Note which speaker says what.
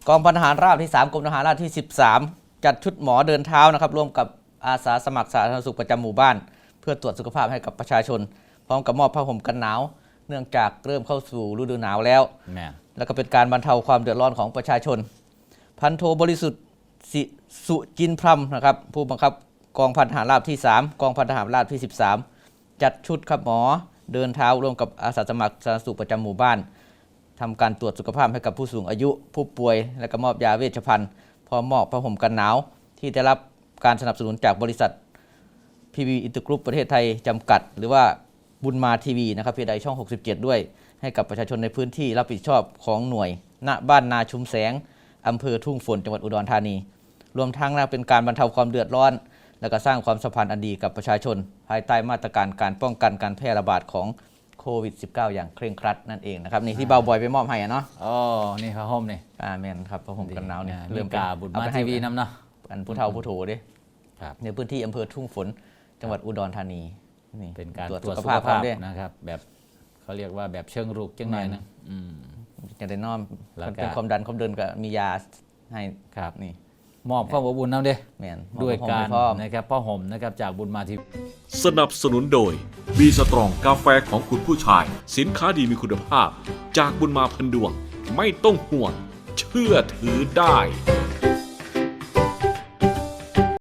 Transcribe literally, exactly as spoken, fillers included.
Speaker 1: กองพันทหารราบที่สามกรมทหารราบที่สิบสามจัดชุดหมอเดินเท้านะครับร่วมกับอาสาสมัครสาธารณสุขประจำหมู่บ้านเพื่อตรวจสุขภาพให้กับประชาชนพร้อมกับมอบผ้าห่มกันหนาวเนื่องจากเริ่มเข้าสู่ฤดูหนาวแล้วแล้วก็เป็นการบรรเทาความเดือดร้อนของประชาชนพันโทบริสุทธิ์สุจินพรรมนะครับผู้บังคับกองพันทหารราบที่สามกองพันทหารราบที่สิบสามจัดชุดครับหมอเดินเท้าร่วมกับอาสาสมัครสาธารณสุขประจำหมู่บ้านทำการตรวจสุขภาพให้กับผู้สูงอายุผู้ป่วยและก็มอบยาเวชภัณฑ์พร้อมมอบผ้าห่มกันหนาวที่ได้รับการสนับสนุนจากบริษัท พี วี อินเตอร์กรุ๊ปประเทศไทยจำกัดหรือว่าบุญมาทีวีนะครับพีไดช่องหกสิบเจ็ดด้วยให้กับประชาชนในพื้นที่รับผิดชอบของหน่วยณบ้านนาชุมแสงอำเภอทุ่งฝนจังหวัดอุดรธานีรวมทั้งเป็นการบรรเทาความเดือดร้อนและก็สร้างความสัมพันธ์อันดีกับประชาชนภายใต้มาตรการการป้องกันการแพร่ระบาดของโควิด สิบเก้า อย่างเคร่งครัดนั่นเองนะครับนี่ที่เบาบอยไปมอบให้เนาะ
Speaker 2: อ๋อนี่ผ้าห่มนี่
Speaker 1: อ่าแมนครับผ้าห่มกันหนาวเนี่ย
Speaker 2: เริ่มกาบุญมาทีวีน้ำเนาะ
Speaker 1: อันผู้เฒ่าผู้โถดิในพื้นที่อำเภอทุ่งฝนจังหวัดอุดรธานี
Speaker 2: นี่เป็นการตรวจสุขภาพนะครับแบบเขาเรียกว่าแบบเชิงรุกจังหน่อยนะ
Speaker 1: จะได้น้อมเป็นความดันความเดินก็มียาให้
Speaker 2: ครับนี่มอบความอบอุ่นน้ำเด้ด้วยการนะครับผ้าห่มนะครับจากบุญมาทีวี
Speaker 3: สนับสนุนโดยบีสตรองกาแฟของคุณผู้ชายสินค้าดีมีคุณภาพจากบุญมาพันดวงไม่ต้องห่วงเชื่อถือได้